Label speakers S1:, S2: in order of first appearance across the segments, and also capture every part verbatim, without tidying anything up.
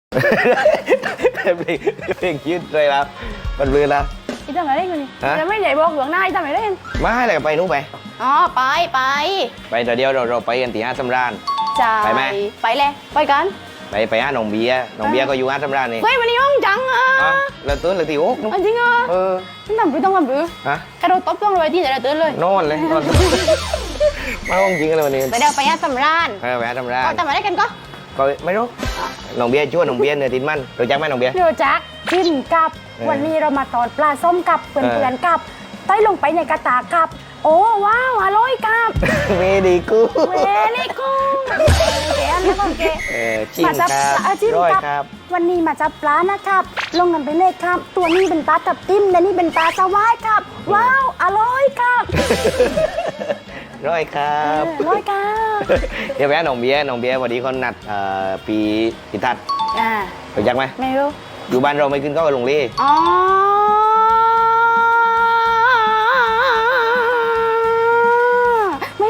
S1: เพลงยืดเลยแล้วมันลือแล้ว
S2: อีทำอะไรได้กันนี่จะไม่ใหญ่บอกหลวงหน้าอีทำอะไรได้
S1: มาให้อะไรไปนู้นไป
S2: อ๋อไปไป
S1: ไปเดี๋ยวเราเราไปกันที่ห้าสำราญ
S2: ไปไหมไปเลยไปกัน
S1: ไปไปห้าหนองเบียร์หนองเบียร์ก็อยู่ห้าสำราญนี่
S2: เฮ้ยวันนี้ห้องจังอ่ะ
S1: เราตื่นเลยที่โอ๊ก
S2: จริงอ่ะ
S1: เออ
S2: ทำไปต้องทำไปฮะกระโดดตบต้องเลยที่จะตื่นเลย
S1: นอนเลยนอนมาห้องจริงเลยวันนี้
S2: ไปเดี๋ยวไปห้าสำราญ
S1: ไปไปห้าสำราญ
S2: ทำอะไรกันก็
S1: ก็ไม่รู้หนองเบียร์ชั่วหนองเบียร์เนื้อตินมันรู้จักไหมหนองเบียร์
S2: รู้จักกินกับวันนี้เรามาตอดปลาส้มกับเพื่อนๆกับต้อยลงไปในกระตากับโอ้ว้าวอร่อยกับ
S1: เมดีกู
S2: เมดีกูเก๋นะพ่อเก๋
S1: จิ้มครับร้อยครับ
S2: วันนี้มาจับปลานะครับลงกันไปเลยครับตัวนี้เป็นปลาตับติ้มและนี่เป็นปลาสวายครับว้าวอร่อยครับ
S1: ร้อยครับ
S2: ร้อยครับ
S1: เดี๋ยวแวะหนองเบียร์หนองเบียร์วันนี้เขานัดปีพิทัศน์รู้จักไหม
S2: ไม่รู้
S1: อยู่บ้านเราไม่ขึ้นก็ลงเล่
S2: อ๋อไม่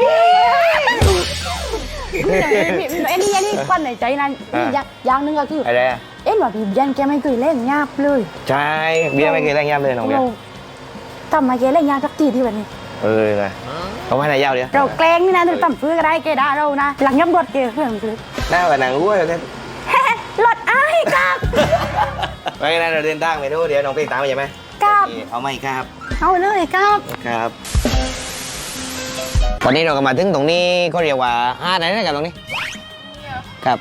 S2: เอ็นนี่นี่ควันในใจนั้นอย่างนึงก็คือ
S1: อะไร
S2: เอ็นว่าพี่ยันแกไม่เคยเล่นยาบเลย
S1: ใช่เบียร์ไม่เคยเล่นยาบเลยน้องเบียร์
S2: ทำไมแกเล่นยาบสักทีที่วันนี้
S1: เออไงเขาให้นายยาวเดียว
S2: เราแกล้งนี่นะตั้มฟื้นก็ได้แกด่าเรานะหลังยับรถแกเพื่อนฟื้น
S1: หน้ากับนางรู้เลย
S2: รถอ้ายครับ
S1: ไปงั้นเราเดินทางไปดูเดี๋ยวน้องพี่ตามไปใช่ไหม
S2: ครับ
S1: เอาไหมครับ
S2: เอาเลยครับ
S1: ครับตอนนี้เราก็มาถึงตรงนี้ก็เรียกว่าห้าไหนนะครับตรงนี้ครับ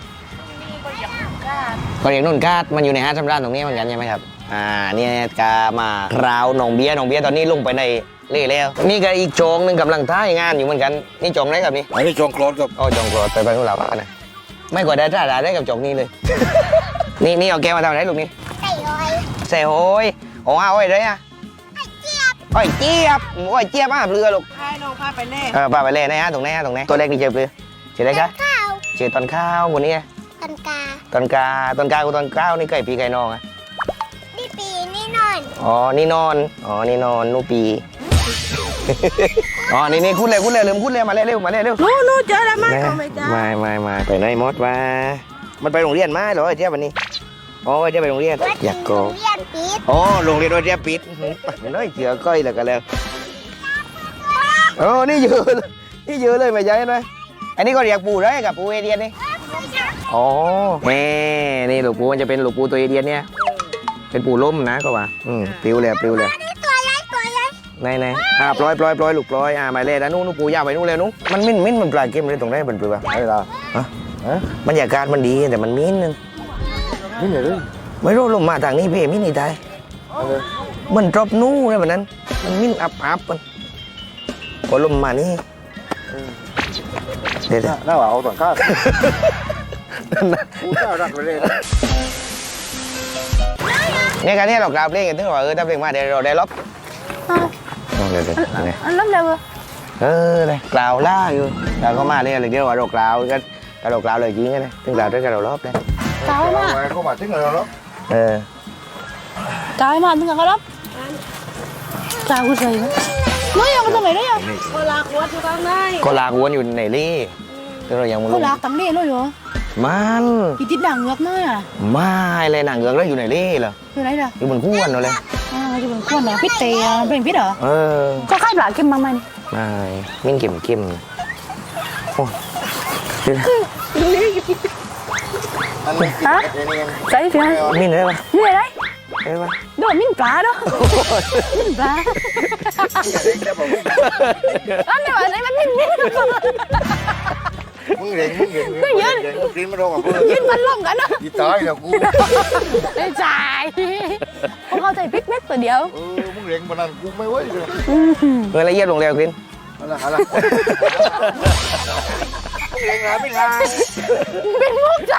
S1: ก็เรียกนุ่นกาดมันอยู่ในห้าสำราญตรงนี้เหมือนกันใช่ไหมครับอ่าเนี่ยกามาราวหนองเบียร์หนองเบียร์ตอนนี้ลงไปในเล่แล้วนี่ก็อีกโจงหนึ่งกำลังท้ายงานอยู่เหมือนกันนี่โจงไหนครับนี่
S3: อันนี้โจงโคลดครับ
S1: อ๋อโจงโคลดไปไปนู่นเราบ้านนะไม่กว่าได้ท่าได้ได้กับโจงนี้เลยนี่นี่เอาแกมาทำอะไรลูกนี่
S2: ใส่หอย
S1: ใส่หอยโอ้เอาไว้เลยอ่ะ
S2: ไอ้เจี๊ยบ
S1: ไอ้เจี๊ยบไอ้เจี๊ยบมาเรือลูก
S2: ให้น้องพาไปเล่
S1: เออพาไปเล่นะฮะตรงไหนฮะตรงไหนตัวเล็กนี่เจอเรือเจออะไรคะเจอตอนข้าวคนนี้
S2: ตอนกา
S1: ตอนกาตอนกากับตอนข้าวนี่ไก่ปีไก่นองอ่ะ
S2: นี่ปีนี่นอน
S1: อ๋อนี่นอนอ๋อนี่นอนนู่ปีอ๋อนี่นี่คุณเลยคุณเลยลืมคุณเลยมาเร็วเร็วมาเร็วเร็ว
S2: นู้นู้เจอแล้วไหมไม่จ้า
S1: ไม่ไม่ไม่ไปไหนมดมามันไปโรงเรียนมาเหรอไอ้เจี๊ยบวันนี้อ๋อไอ้เจี๊ยบไปโรงเรียนอยากโกโรงเรียนปิดอ๋อโรงเรียนไอ้เจี๊ยบปิดไม่น้อยเจือก้อยเลยกันแล้วโอ้นี่เยอะนี่เยอะเลยไม่ใช่ไหมอันนี้ก็เรียกปูได้กับปูเอเดียนนี่อ๋อแม่นี่ลูกปูมันจะเป็นลูกปูตัวเอเดียนเนี่ยเป็นปูล้มนะก็ว่าอืมปลิวเลยปลิวเลยไหนไหนอ่าปล่อยปล่อยปล่อยลูกปล่อยอ่าหมายเลขนะนู้นนู้นปูยาวไปนู้นเลยนู้นมันมิ้นมิ้นมันปลายเกมเลยตรงไหนมันปลิวอะอะไรล่ะฮะบรรยากาศมันดีแต่มันมิ้นนึง
S3: มิ้นเลย
S1: ไม่รู้ลงมาทางนี้เพ่มิ้นนี่ไทยมันดรอปนู้นแบบนั้นมันมิ้นอับอับมันพอลงมานี่เดี๋ยว
S3: น่าว่าเอาต่างข้าวกูเจ้ารักไปเลย
S1: เนี่ยการนี้เรากราบเล่นกันถึงว่าเออถ้าเพลงมาเดี๋ยวเราได้ล็อกเดี๋ยวเดี๋ยว
S2: อันล้มเร็ว
S1: เออเลยกล่าวล่าอยู่เราก็มาเรียกอะไรเดี๋ยวว่าเรากล่าวก็กระโดดกล่าวเลยจริงไงนะถึงกล่าวด้วยกระโดดรอบเลย
S2: กล่าวมา
S3: เขามาถึงเราแล้ว
S1: เออก
S2: ล่าวมาถึงกระโดดกล่าวกูใส่ไหมไม่ยังมันทำไมได้ยังก็ลากวนอยู่ข้างใน
S1: ก็ลากวนอยู่ในรี่เรายัง
S2: ก็ลากตั้งเล่เลยเหรอ
S1: มัน
S2: อีติดด่างเงือกน้อยอ่ะ
S1: ไม่เลยหนังเงือกแล้วอยู่ในรี่เหรอ
S2: อยู่ไหนล่ะ
S1: อยู่บนขั้วนั่นเลย
S2: อ๋ออยู่บนขั้วเหรอพิษเตะเป็นพิษเหรอ
S1: เออ
S2: ก็คล้ายปลาเค็มมาไหม
S1: ไม่มิ้นเค็มเค็มโอ้
S2: ฮะใช่ไหม
S1: มิ้นอะไรวะ
S2: มิ้นอะไร
S1: อะไรวะ
S2: โดนมิ้นปลาด้วยมิ้นปลาอันนี้ว่าอะไรมันมิ้นมิ้น
S3: มึงเร่งมึงเร่งมึงยืนมึงกินมาโดนกับกู
S2: ยืนมันล่มกันนะ
S3: ยีตายแล้วกู
S2: ไม่ใช่พวกเขาใจพิกเม็ดตัวเดียว
S3: เออมึงเร่งมันนั่นกูไม่ไหวเลย
S1: เมื่อไรเยี่ยมลงเร็วกิน
S3: อะไรอะไรมึงเร่งหาไม่ลา
S2: เป็นมุกใจ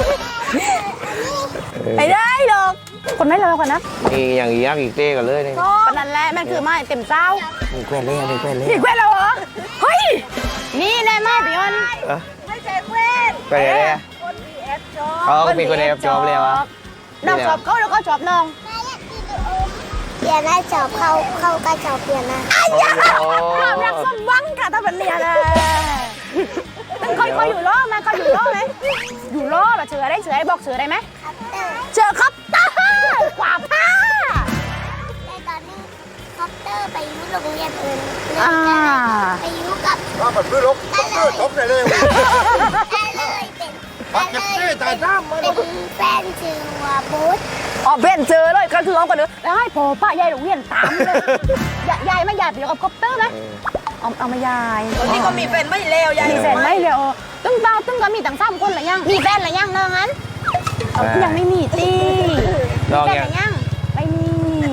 S2: ไม่ได้หรอกคนไม่เราคนนะ
S1: นี่อย่างอีกอีกเต้กันเลยนี่
S2: ปนันแหละมันคือไม้เต็มเจ้า
S1: มีแควนเล่มีแควนเล่
S2: มีแควนเราเหรอเฮ้ยนี่แน่มากพี่อ้นไม่ใช่แควน
S1: แควนอะไรคนมีแอปจอบอ๋อมีคนแอปจอบเลยวะ
S2: น้องจอบเขาแล้วก็จอบน้อง
S4: เปลี่ยนได้จอบเข้าเข้าก็จอบเปลี่ยนนะ
S2: อ้ยความรักสมหวังค่ะถ้าเป็นเรียนนะตึ้งค่อยๆอยู่ล้อมาก็อยู่ล้อไหมอยู่ล้อแบบเสือได้เสือได้บอกเสือได้ไหม
S4: ครับเตอร์
S2: เจอครับเตอร์กว่าผ้า
S4: แต่ตอนนี้คอปเตอร์ไปอยู่โรงเรียนอื่นเลย
S2: อ่า
S4: ไปอยู่กับ
S3: ว่ามันไม่ลบเออทบได้เลย
S4: ได้เลยเป็น
S3: ปักเก็บเต้ตายน้ำมัน
S4: เป็นแฟนชื่อว่าบูธ
S2: อ๋อเบนเจอเลยก็คือเอากันเลยแล้วให้พอป้ายายโรงเรียนตามเลยยายยายไม่ยายไปอยู่กับคอปเตอร์ไหมเอาเอามายาย
S5: คนนี้ก็มีแฟนไม่เลวยาย
S2: มีแฟนไหมเดี๋ยวตึ้งเบาตึ้งก็มีตั้งสามคนหรือยังมีแฟนหรือยังเนอะงั้นเอายังไม่มีตี
S1: ลอง
S2: แฟน
S1: ยั
S2: ห
S1: ง
S2: รือยังไม่มี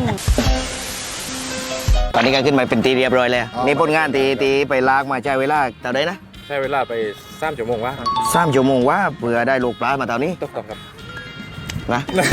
S1: ตอนนี้ก็ขึ้นมาเป็นตีเรียบร้อยแล้วนี่ผลงานตีตีไปลากมาใช้เวลาเท่าไหร่นะ
S6: ใช้เวลาไปสามชั่วโมงวะ
S1: สามชั่วโมงว่าเพื่อได้ลูกปลามาเท่านี้
S6: ตกต้องครับ
S1: นะ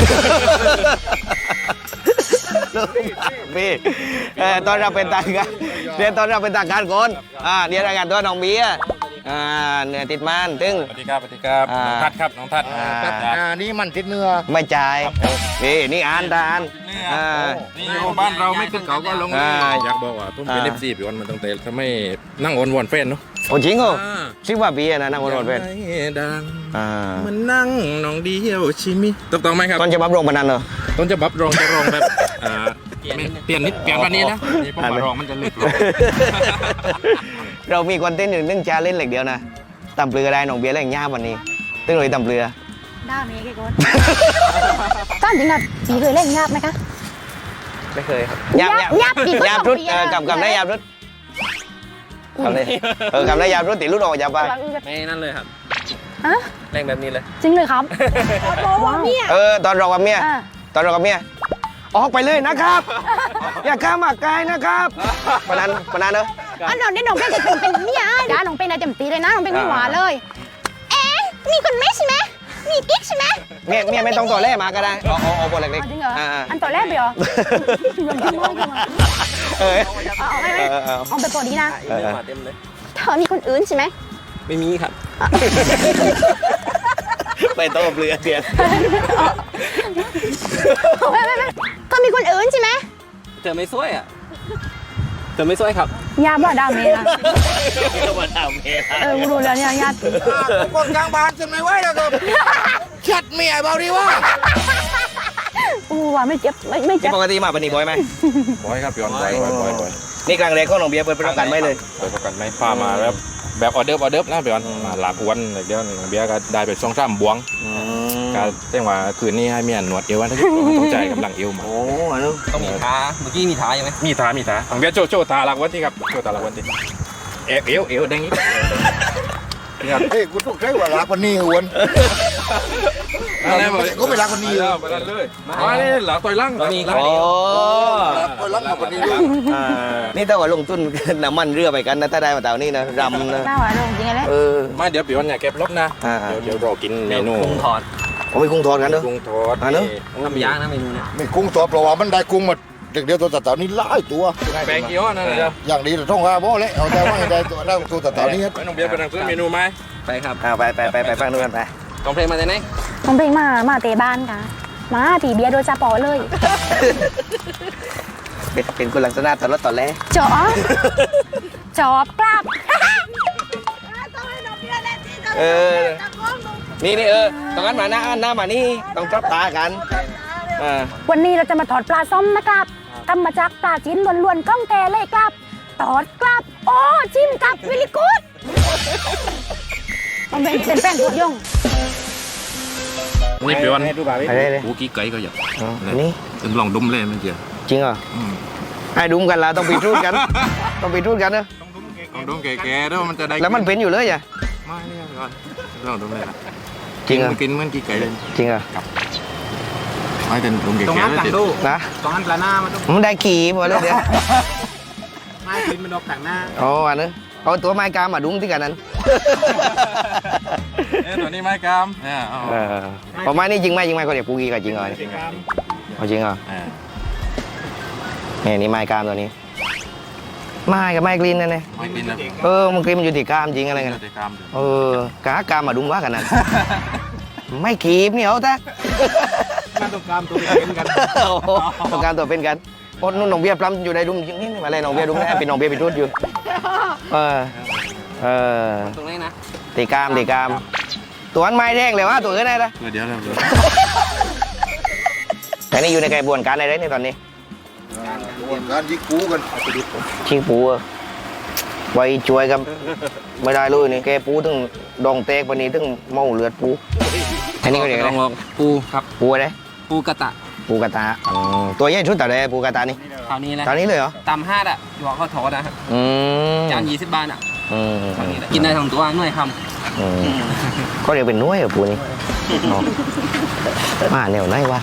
S1: พี่เอ่อตอนเราเป็นทางการเรียนตอนเราเป็นทางการก่อนอ่าเรียนรายงานตัวน้องเบียร์อ่าเหนือติดมันตึง
S6: สวัสดีครับสวัสดีครับ
S1: อ่า
S6: น้องทัดครับน้องทัด
S1: อ่า
S3: อ่านี่มันติดเนื้อ
S1: ไม่จ่ายนี่นี่อ่านตาอ่านอ่า
S6: นี่อยู่บ้านเราไม่ขึ้นเขาก็ลง
S1: อ่า
S6: อยากบอกว่าผมเป็น
S1: อ่า
S6: เอฟซีพี่วันมันตั้งแต่ทำไมนั่งออนวอนแฟนเนาะ
S1: โอ้จริงเหรอ
S6: อ่า
S1: สิบกว่าปีอะนะนั่งบนรถเป็น
S6: อยากให้ดัง
S1: อ่า
S6: มันนั่งน้องเดียวชิมิตกต้องไหมครับ
S1: ตอนจะบับโรงพนันเหรอ
S6: ต้นจะบับรองจะรองแบบอ่าไม่เปลี่ยนนิดเปลี่ยนกว่านี้นะนี่ผม
S1: อ่านไหม
S6: มารองมันจะลึกลง
S1: เรามีคอนเทนต์อยู่หนึ่งจาเล่นเหล็กเดียวนะตำเปลือได้น้องเบียร์แรงย่าวันนี้ตึ้งเลยตำเปลือ
S2: ได้ไหมแกคนก้านจริงอ่ะปีเคยเล่นยากไหมคะ
S1: ไม่เคยครับยาบ
S2: ยาบปีก็
S1: ยาบ
S2: สอง
S1: รุด
S2: ปี
S1: เออ
S2: อะ
S1: กำกำได้ยาบรุดกำได้เออกำได้ยาบรุดติดรุดออกอย่าไป
S5: ไม่นั่นเลยครับ
S2: ฮะ
S5: แรงแบบนี้เลย
S2: จริงเลยครับว้าวเนี่ย
S1: เออตอนเรากับเมีย
S2: อ่า
S1: ตอนเรากับเมียออกไปเลยนะครับ อย่าข้ามหมากกายนะครับปนันปนันเนอะ
S2: อันนนนี่น้องเป็นจะเป็นเมียด้าน้องเป็นอะไรเต็มตีเลยนะน้องเป็นไม่หวานเลย เอ๊ะมีคนไม่ใช่ไหมมีกิ๊กใช่ไหม
S1: เมียเมียไม่ต้องตัวแรกมาก็ได้เอาเอาเอาบทเล็ก
S2: จริงเหรอ
S1: ๆอ่า
S2: อันต่อแรกไปเหรอเรื่องจริงมากเลย
S1: เออ
S2: เอาเอาไม่ไม่
S1: เออเออ
S2: เอาไปตัวนี้นะ
S1: เออ
S5: มาเต็มเลย
S2: เธอมีคนอื่นใช่ไหม
S5: ไม่มีครับ
S1: ไปโต้เปลือกเดียน
S2: ไม่ไม่ไม่เธอมีคนอื่นใช่ไหม
S5: เธอไม่สวยอ่ะเธอไม่สวยครับ
S2: ยาบ้าดาวเมย์นะ
S1: ก็มาทำเอง
S2: เออกูรู้แล้วเนี่ยยา
S3: คนกลางบ้านจะไม่ไหวแล้วก็เช็ดเมียเบาดีวะ
S2: กูว่าไม่เจ็บไม่ไม่
S1: นี่
S2: เจ็บ
S1: ปกติมาปนีบ่อยไหม
S6: บ่อยครับพี่วันบ่อยบ่อยบ่อยบ่อย
S1: นี่กลางเรกก็น้องเบียร์เปิดประกันไม่เลย
S6: เปิดประกันไม่พามาแบบแบบออเดิร์ฟออเดิร์ฟนะพี่วันมาหลากวันเดี๋ยวเบียร์ก็ได้ไปสองสามบวง ก็แจ้งว่าคืนนี้ให้เมียหนวดเอวนะถ้าเกิดว่าต้องจ่ายกำลังเอวมา
S1: โอ้อันนู้น
S5: ต้องมีท้าเมื่อกี้มีท้ายังไหม
S6: มีทามีทาของเบียร์โจโจตาลักวันที่ครับโจตาลักวันที่เอวเอวเอวแดงนี้
S3: เฮ้ยกูต้องใช้เวลาคนนี้หวน
S6: อะไรบอก
S3: ก็ไม่รักคนนี้
S6: แล้วไปเลยมาเลยหลังต่อยล่าง
S5: ต้องมีครับ
S1: โอ้
S3: คนรักคนนี้ด้วย
S1: อ่านี่ถ้าว่าลงทุน น้ำมันเรือไปกันนะถ้าได้มาเต่านี่นะรำนะ
S2: หน้าหวานลงจริงเลย
S1: เออ
S6: มาเดี๋ยวพี่วันอย่าเก็บรถนะ
S1: อ่า
S6: เดี๋ยวเดี๋ยวรอกินเมนู
S5: กุ้งทอด
S1: ผมไปกุ้งทอดกันเด้อ
S6: กุ้งทอด
S1: อ่าเนอะ
S5: ทำย่างนะเมนูเนี่ย
S3: ไม่กุ้งตัวเพราะว่ามันได้กุ้งมาเด็กเดียวตัวต่านี้หลายตัว
S6: แปลงกี่อ้อนั่นเลยครับ
S3: อย่างนี้เราต้องว่าบ่เลยเอาแต่ว่าให้ได้ตัวได้ตัวต่านี้
S6: ไปน้องเบียร์ไปนั่งซื้อเมนูไหม
S5: ไปครับ
S1: อ่าไปไปไปไปฟังดูกันไป
S5: ต้องเพลงมาแต่ไหน
S2: น้องเพลงมามาเตะบ้านค่ะมาตีเบียร์โดยจ่าปอเลย
S1: เป็นเป็นคนลักษณะตอนรถตอนแรก
S2: จอบจอบกลับ
S1: เออนี่นี่เออตรงนั้นมาหน้าหน้ามานี่ต้องจับตากันอ่า
S2: วันนี้เราจะมาถอดปลาส้มนะครับทำมาจากปลาจิ้นล้วนๆกล้องแกเลยครับตอดกลับโอ้จิ้มกลับวิลิกูดมันเป็นเป็นแป้งตัวยง
S6: นี่พี่วัน
S1: อะไรเลย
S6: กูกี้ไก่ก็อยาก
S1: อ๋ออันนี้
S6: เป็นลองดมเลยมันเจียว
S1: จริงเหรอให้ดุมกันละต้องไปทูดกัน ต้องไปทูดกันเนอะ
S6: ลองดมแก่ๆด้วยมันจะได้
S1: แล้วมันเป็นอยู่เลยอ่ะ
S6: ไม่เนี่ยพี่วันลองดมเลยนะ
S1: จริงเหรอ
S6: กินเหมือนกี้ไก่เลย
S1: จริงเหรอ
S6: ไม่เป็นดมแก่
S5: ตรง
S6: ๆ
S5: นั้น
S6: เลย
S5: ต่าง
S6: ติด
S5: ดู
S1: นะ
S5: ตรงนั้นปลาหน้ามันต้อง
S1: มันได้ขี่หมดเลยเดี๋ยว
S5: ไม่กินมันดอกต่างหน้า
S1: อ๋ออันนั้นเอาตัวไม้กามาดุ้มที่กันนั้น
S6: เอ้ตัวนี้ไม้กามเนี่ยเอา
S1: เออพอไม้นี่จริงไหมจริงไหมเขาเรียกปูกีกับจริงเหรอ
S6: จริงครับ
S1: เอาจริงเหรอ
S6: อ่า
S1: เนี่ยนี่ไม้กามตัวนี้ไม้กับไม้กรีนนั่นเอง
S6: ไม่กินนะ
S1: เออมันกรีนมันอยู่ที่กามจริงอะไรกัน
S6: จะกามเดี๋ยว
S1: เออกากามมาดุ้มว่ากันนั้น ไม่ขีบเนี่ยเอาแต่
S5: มันต้องกามตัวเป็นกัน
S1: โอ้โหต้องการตัวเป็นกันโอ้นุ่นน้องเบียร์ปล้ำอยู่ในดุ้มนี่มาเลยน้องเบียร์ดุ้มแน่เป็นน้องเบียร์ไปทุดอยู่เออเออ
S5: ตรงนี้นะ
S1: ตีกามตีกามตัวนั้นไม่แรงเลยวะตัวอื่นไหนละ
S6: เดี๋ยวเดี๋ยว
S1: แต่นี่อยู่ในกระบวนการอะไรในตอนนี้
S3: การยิงกูกัน
S1: ชิงปูอะไว้ช่วยกันไม่ได้เลยนี่แกปูถึงดองเตกวันนี้ถึงเมาเลือดปูอันนี้ก็เรียกอะไร
S5: ลองปูครับ
S1: ปูอะไร
S5: ปูกระตะ
S1: ปูกระตาอืมตัวใหญ่ชุดแต่เลยปูกระตานี่
S5: คราวนี้แหละ
S1: ตอนนี้เลยเหรอ
S5: ตำห้าอ่ะหยอกข้าวทอดนะฮะ
S1: อืม
S5: จานยี่สิบบาทอ่ะ
S1: อืม
S5: คราวนี้แหละกินได้ทั้งตัวหน่วยค
S1: อืมก็เรียกเป็นน้วยเหรอปูนี่อ๋อมาแนวไหนวะ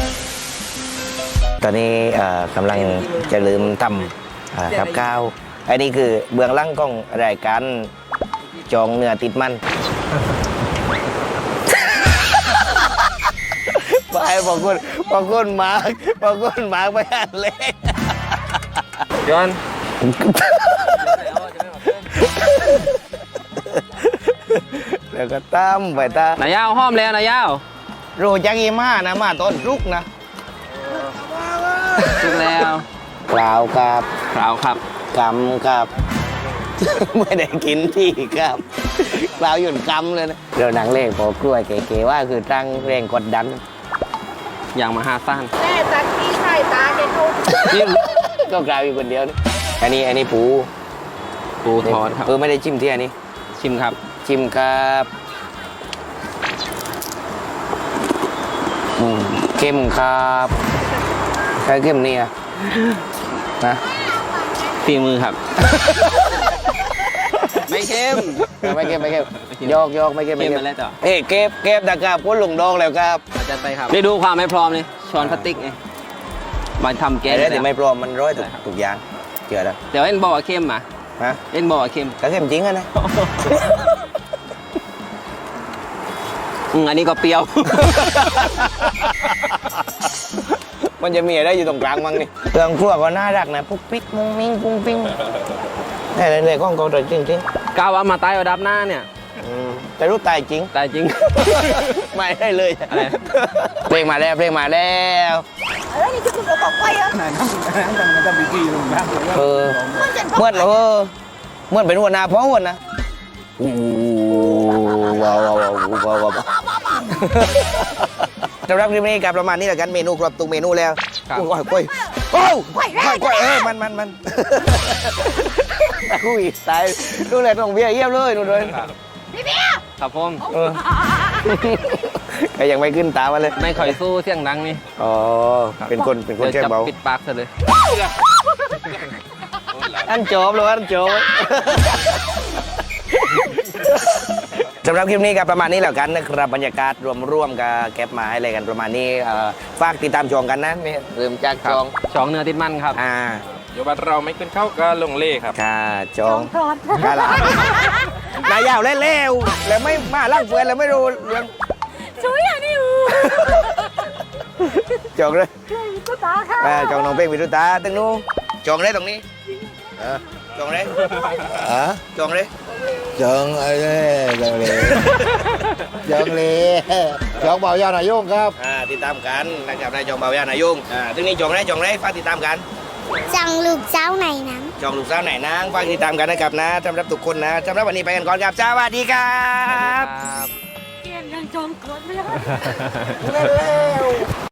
S1: ตอนนี้เอ่อกำลังจะลืมทำอ่ากับข้าวอันนี้คือเบื้องหลังของรายการจองเนื้อติดมัน ไปบางคนบางคนมาร์กบางคนมาร์กไปอ่านเลย
S5: ำย้อน
S1: แล้วก็ตามไปตาม
S5: นายยาวห้อมแล้วนายยาว
S1: โรจักอีมานะมาต้นรุกนะ
S5: ถูกแล้ว
S1: กล่าวกับ
S5: คราวครับ
S1: กำกับ ไม่ได้กินที่ครับกล่าวหยุ่นกำเลยนะเราหนังเลขพอกล้วยเก๋ๆว่าคือตั้งแรงกดดัน
S5: อย่างมหาศาล
S2: แม่ตักที่ไข่ตาแกทุก
S1: นี่ก็กล่าวอยู่คนเดียวนี่อันนี้อันนี้ปู
S5: ปูทอดครับ
S1: เออไม่ได้จิ้มที่อันนี้
S5: ชิมครับ
S1: ชิมครับอืมเข้มครับใช้เข้มเนี่ยนะ
S5: ฝีมือครับ ไม่เข้ม
S1: ไม่เข้มไม่เข้ม
S5: ไม่เข้ม
S1: ยอกยอกไม่เข้มไม่
S5: เข้ม
S1: เข้ม
S5: มาแล้วจ้ะ
S1: เอ้ยเก็บเก็บตะกร้าพ้นหลงดองแล้วครับ
S5: อาจารย์ไปครับได้ดูความไม่พร้อมเลยช้อนพลาสติกไงมาทำแกง
S1: ไอ้เรื่องที่
S5: แล้ว
S1: ไม่พร้อมมันร้อยถูกถูกอย่างเชื่อแล้ว
S5: เดี๋ยวเอ็นบอกว่าเข้มมา
S1: ฮะ
S5: เอ็นบอกว่าเข้ม
S1: ก็เข้มจริงอะนะ
S5: อืมอันนี้ก็เปรี้ยว
S1: มันจะมีอะไรอยู่ตรงกลางมั้งนี่เครื่องครัวก็น่ารักนะปุ๊กปิ๊กมุ้งมิ้งปุ้งปิ้งนี่เลยเลยก้องกองตัวจริงจริง
S5: กาวว่ามาใต้ระดับหน้าเนี่ย
S1: ๆอืมแต่รู้ตายจริง
S5: แต่จริง
S1: ไม่ได้เลย
S5: อะไร
S1: เพลงมาแล้วเพลงมาแล้ว
S2: เอ้ยนี่จะคุณบอกไปอ่ะ
S1: เออเมื่อเออเมื่อเป็นหัวหน้าพ่อวันนะอู้ว้าวว้าวว้าวว้าวว้าวสำหรับคลิปนี้กับประมาณนี้แหละกันเมนูครบทุกเมนูแล้ว
S5: ครับ
S1: โอ้ยโอ้ยโอ้ยโอ้ยโอ้ยเออมันมันมันอุ้ยตายดูแลตรงเบียร์เยี่ยมเลยดูเลย
S5: ครับผม
S1: เออก็ยังไม่ขึ้นตามาเลย
S5: ไม่ค่อยสู้เสียงดังนี่
S1: อ๋อเป็นคนเป็นคน
S5: เดี๋ยว
S1: เชื่อ
S5: จะ
S1: เบา
S5: ปิดปากซะเลย
S1: อันจบเลยอันจบสำหรับคลิปนี้กับประมาณนี้แล้วกันนะครับบรรยากาศรวมๆกับแก็บมาให้อะไรกันประมาณนี้เอ่อฝากติดตามชมกันนะไม่ลืมจากจอง
S5: สองเนื้อติดมันครับ
S1: อ่า
S6: เดี๋ยวบัดเราไม่ขึ้นเข้าก็ลงเล่ครับ
S1: ค่ะจอง
S2: ทอด
S1: กาลานายยาวเล่วๆแล้วไม่มาล่างเฟือนแล้วไม่รู้เรื่อง
S2: ช่วยอย่างนี้อู
S1: จองเลย
S2: ก็ตาค่ะ
S1: อ่าจองน้องเป้งวิรุตาตึงนู้จองเลยตรงนี้เออจองเลย
S3: อ่ะ
S1: จองเลย
S3: จังไอ้เนี่ยจังเลยจังเลยจังเบายาหน่อยโยงครับ
S1: อ่าติดตามกันนะครับนายจองเบาวยานายุ่งอ่าตึงนี้จองเลยจองเลยฝากติดตามกัน
S4: จังลูกเจ้าไหนน้ำ
S1: จองลูกสาวไหนนางฝากติดตามกันนะครับนะสำหรับทุกคนนะสำหรับวันนี้ไปกันก่อนครับสวัสดีครับ
S5: ครับ
S2: เกลียนยังจองกดไม่ได้